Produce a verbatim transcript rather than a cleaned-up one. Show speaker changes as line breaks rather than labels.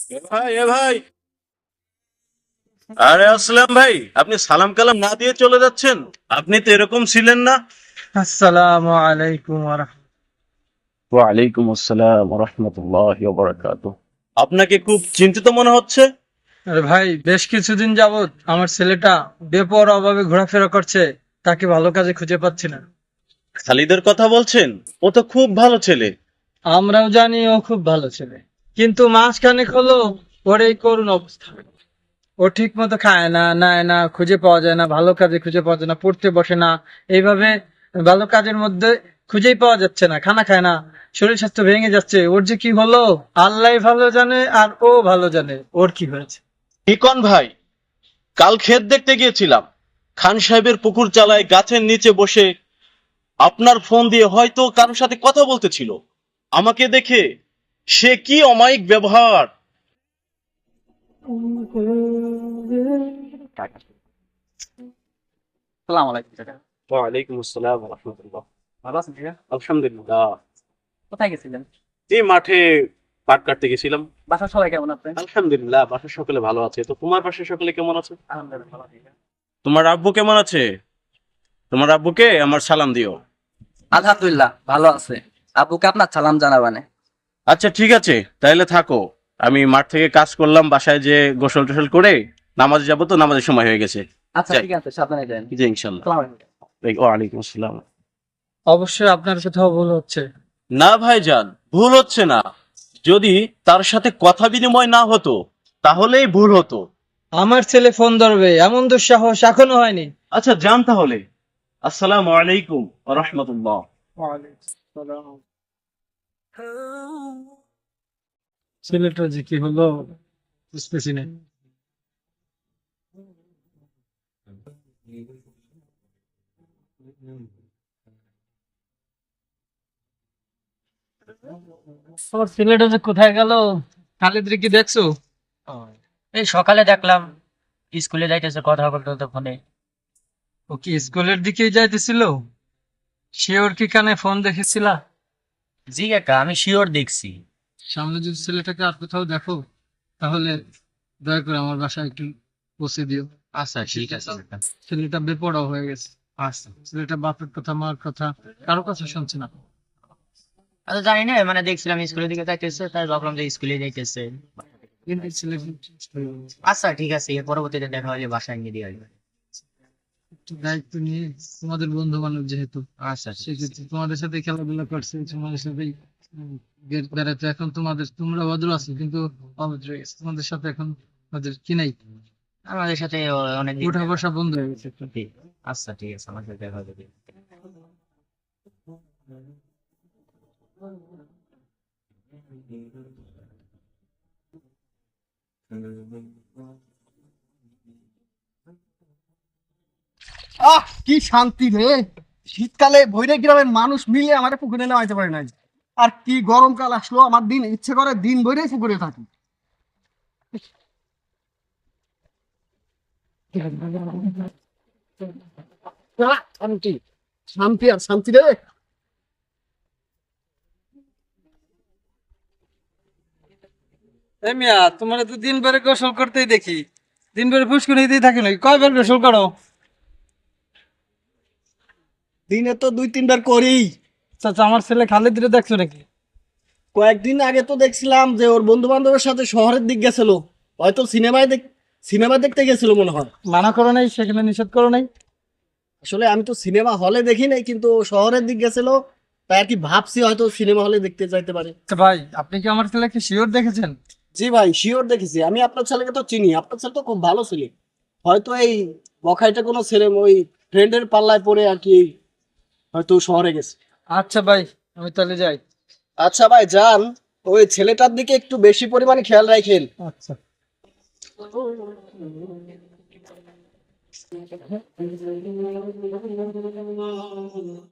এ ভাই এ ভাই আরে আসলাম ভাই, আপনি সালাম কালাম না দিয়ে চলে যাচ্ছেন। আপনি তো এরকম ছিলেন না।
আসসালামু আলাইকুম ওয়া রাহমাতুল্লাহ।
ওয়ালাইকুম আসসালাম ওয়া রাহমাতুল্লাহি ওয়া বারাকাতুহু। আপনাকে খুব চিন্তিত মনে হচ্ছে।
আরে ভাই, বেশ কিছুদিন যাবত আমার ছেলেটা বেপরোয়া ভাবে ঘোরাফেরা করছে। তাকে ভালো কাজে খুঁজে পাচ্ছি না।
খালিদের কথা বলছেন? ও তো খুব ভালো ছেলে।
আমরাও জানি ও খুব ভালো ছেলে, কিন্তু মাসখানেক হলো ওর এই করুণ অবস্থা। ও ঠিক মতো খায় না, নেয় না, খুঁজে পাওয়া যায় না, ভালো কাজে খুঁজে পাওয়া যায় না, পড়তে বসে না। এইভাবে ভালো কাজের মধ্যে খুঁজেই পাওয়া যাচ্ছে না, খানা খায় না, শরীর স্বাস্থ্য ভেঙে যাচ্ছে। ওর যে কি হলো আল্লাহ ভালো জানে, আর ও ভালো জানে ওর কি হয়েছে।
ইকন ভাই, কাল ক্ষেত দেখতে গিয়েছিলাম। খান সাহেবের পুকুর চালায় গাছের নিচে বসে আপনার ফোন দিয়ে হয়তো কারোর সাথে কথা বলতেছিল। আমাকে দেখে সে কি অমায়িক ব্যবহার!
সালাম আলাইকুম কাকা।
ওয়ালাইকুম আসসালাম ওয়া রাহমাতুল্লাহ।
ভালো আছেন কাকা?
আলহামদুলিল্লাহ।
কোথায় গেছিলেন?
এই মাঠে পাট কাটতে গেছিলাম।
বাসার সবাই কেমন আছে?
আলহামদুলিল্লাহ, বাসার সকলে ভালো আছে। তো তোমার বাসার সকলে কেমন আছে?
আলহামদুলিল্লাহ ভালো আছি কাকা।
তোমার আব্বু কেমন আছে? তোমার আব্বুকে আমার সালাম দিও।
আলহামদুলিল্লাহ ভালো আছে। আব্বুকে আপনার সালাম জানাবানে।
আচ্ছা ঠিক আছে, তাইলে থাকো। আমি মাঠ থেকে কাজ করলাম, বাসায় যে গোসল টোসল করে নামাজে যাবো, তো নামাজের সময় হয়ে গেছে।
আচ্ছা
যাই।
ঠিক আছে, সাবধানে যান।
জি ইনশাল্লাহ।
সালাম আলাইকুম।
এই, ওয়ালাইকুম আসসালাম।
অবশ্যই আপনার কোথাও ভুল হচ্ছে।
না ভাইজান, ভুল হচ্ছে না। যদি তার সাথে কথা বিনিময় না হতো তাহলেই ভুল হতো।
আমার ছেলে ফোন ধরবে এমন দুঃসাহস এখনো হয়নি।
আচ্ছা যান তাহলে। আসসালামু আলাইকুম ওয়া রাহমাতুল্লাহ।
ছেলেটা যে কি হলো বুঝতেছি না। তোমার ছেলেটা যে কোথায় গেল, খালিদ কি দেখছো?
ও, এই সকালে দেখলাম স্কুলে যাইতেছে কথা বলতে বলতে ফোনে।
ও কি স্কুলের দিকেই যাইতেছিল? সে ওর কি কানে ফোন দেখেছিলা?
জি কাকা, আমি শিওর দেখছি।
সামনে যদি ছেলেটাকে আর কোথাও দেখো, তাহলে দয়া করে আমার বাসায় একটু পৌঁছে দিও।
আচ্ছা ঠিক আছে কাকা।
ছেলেটা বেপরোয়া হয়ে গেছে।
আচ্ছা
ছেলেটা বাপের কথা মার কথা কারো কথা শুনছে না।
আচ্ছা, জানি না, মানে দেখছিলাম স্কুলের দিকে যাইতেছে, তাই ভাবলাম যে স্কুলে যাইতেছে।
কিন্তু ছেলে
আচ্ছা ঠিক আছে, এর পরবর্তীতে দেখা হলে বাসায় নিয়ে দিয়ে আসবে।
একটু দায়িত্ব নিয়ে, তোমাদের বন্ধু বান্ধব যেহেতু,
আচ্ছা ঠিক আছে।
সেক্ষেত্রে তোমাদের সাথে খেলাধুলা করছে, তোমাদের সাথেই উম, বে- বেড়াতে। এখন তোমাদের, তোমরা ভদ্র আছো কিন্তু অভদ্র হয়ে গেছে। তোমাদের সাথে এখন ওদের কি নাই,
আমাদের সাথে অনেক দিন।
উঠা বসা বন্ধ হয়ে গেছে একটু।
আচ্ছা ঠিক আছে, আমার সাথে দেখা হবে।
আহ কি শান্তি রে! শীতকালে ভৈরব গ্রামের মানুষ মিলে আমার পুকুরে নামাইতে পারে না। আর কি গরমকাল আসলো, আমার দিন ইচ্ছে করে দিন ভরে পুকুরে থাকি। আহ, শান্তি, শান্তি আর শান্তি রে!
এই মিয়া, তোমরা তো দিন ভরে গোসল করতেই দেখি, দিন ভরে ফুসকুনিতেই থাকি নাকি? কয়বার গোসল করো?
দিনে তো দুই তিনবার করি।
চাচা, আমার ছেলে খালিদ রে দেখছো নাকি?
কয়েকদিন আগে তো দেখছিলাম যে ওর বন্ধু বান্ধবের সাথে শহরের দিক গেছিল। হয়তো সিনেমায় দেখ সিনেমা দেখতে গেছিল মনে হয়।
মানা করো নাই, সেখানে নিষেধ করো নাই?
আসলে আমি তো সিনেমা হলে দেখি নাই, কিন্তু ও শহরের দিক গেছিল। তাই আর কি ভাবছি হয়তো সিনেমা হলে দেখতে যাইতে পারে।
আচ্ছা ভাই, আপনি কি আমার ছেলেকে শিওর দেখেছেন?
জি ভাই, শিওর দেখেছি। আমি আপনার ছেলেকে তো চিনি, আপনার ছেলে তো খুব ভালো ছেলে। হয়তো এই বখাইটা কোনো ছেলে ওই ফ্রেন্ডের পাল্লায় পড়ে আর কি হয়তো শহরে গেছে।
আচ্ছা ভাই, আমি তাহলে যাই।
আচ্ছা ভাই যান, ওই ছেলেটার দিকে একটু বেশি পরিমাণে খেয়াল রাখেন।
আচ্ছা।